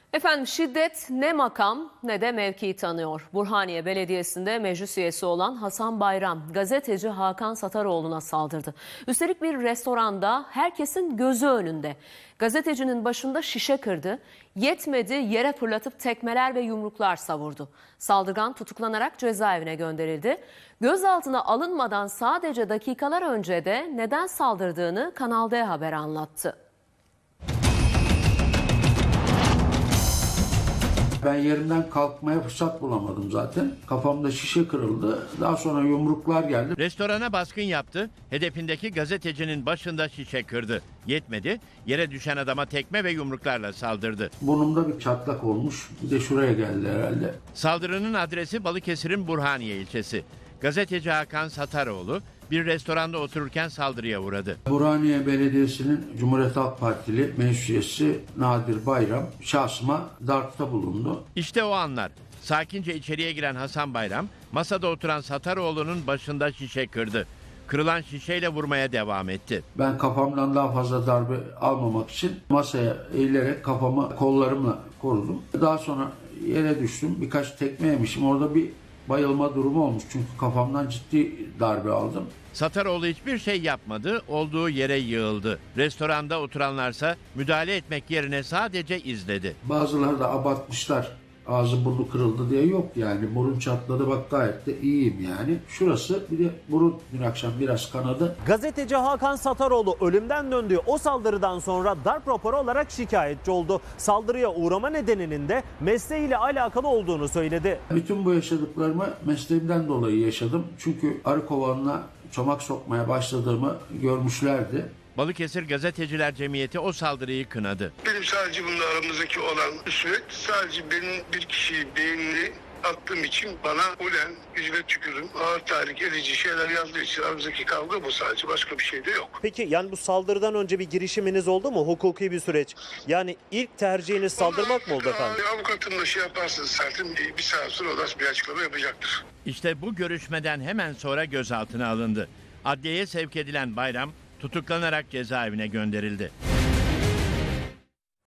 Efendim şiddet ne makam ne de mevki tanıyor. Burhaniye Belediyesi'nde meclis üyesi olan Hasan Bayram gazeteci Hakan Sataroğlu'na saldırdı. Üstelik bir restoranda herkesin gözü önünde. Gazetecinin başında şişe kırdı. Yetmedi, yere fırlatıp tekmeler ve yumruklar savurdu. Saldırgan tutuklanarak cezaevine gönderildi. Gözaltına alınmadan sadece dakikalar önce de neden saldırdığını Kanal D Haber anlattı. Ben yerimden kalkmaya fırsat bulamadım zaten. Kafamda şişe kırıldı. Daha sonra yumruklar geldi. Restorana baskın yaptı. Hedefindeki gazetecinin başında şişe kırdı. Yetmedi. Yere düşen adama tekme ve yumruklarla saldırdı. Burnumda bir çatlak olmuş. Bir de şuraya geldi herhalde. Saldırının adresi Balıkesir'in Burhaniye ilçesi. Gazeteci Hakan Sataroğlu bir restoranda otururken saldırıya uğradı. Burhaniye Belediyesi'nin Cumhuriyet Halk Partili meclis üyesi Nadir Bayram şahsıma darpta bulundu. İşte o anlar. Sakince içeriye giren Hasan Bayram masada oturan Sataroğlu'nun başında şişe kırdı. Kırılan şişeyle vurmaya devam etti. Ben kafamdan daha fazla darbe almamak için masaya eğilerek kafamı kollarımla korudum. Daha sonra yere düştüm. Birkaç tekme yemişim. Orada bir bayılma durumu olmuş. Çünkü kafamdan ciddi darbe aldım. Sataroğlu hiçbir şey yapmadı, olduğu yere yığıldı. Restoranda oturanlarsa müdahale etmek yerine sadece izledi. Bazıları da abartmışlar. Ağzı burnu kırıldı diye yok yani. Burun çatladı, bak gayet de iyiyim yani. Şurası bir de burun dün akşam biraz kanadı. Gazeteci Hakan Sataroğlu ölümden döndüğü o saldırıdan sonra darp raporu olarak şikayetçi oldu. Saldırıya uğrama nedeninin de mesleğiyle alakalı olduğunu söyledi. Bütün bu yaşadıklarımı mesleğimden dolayı yaşadım. Çünkü arı kovanına çomak sokmaya başladığımı görmüşlerdi. Balıkesir Gazeteciler Cemiyeti o saldırıyı kınadı. Benim sadece bununla aramızdaki olan üsvet sadece benim bir kişiyi beynini attığım için bana ulen, yüzüne tükürüm, ağır tahrik edici şeyler yazdığı için aramızdaki kavga bu sadece, başka bir şey de yok. Peki yani bu saldırıdan önce bir girişiminiz oldu mu? Hukuki bir süreç. Yani ilk tercihiniz saldırmak mı oldu efendim? Avukatımla şey yaparsınız zaten bir saat sonra o da bir açıklama yapacaktır. İşte bu görüşmeden hemen sonra gözaltına alındı. Adliyeye sevk edilen Bayram tutuklanarak cezaevine gönderildi.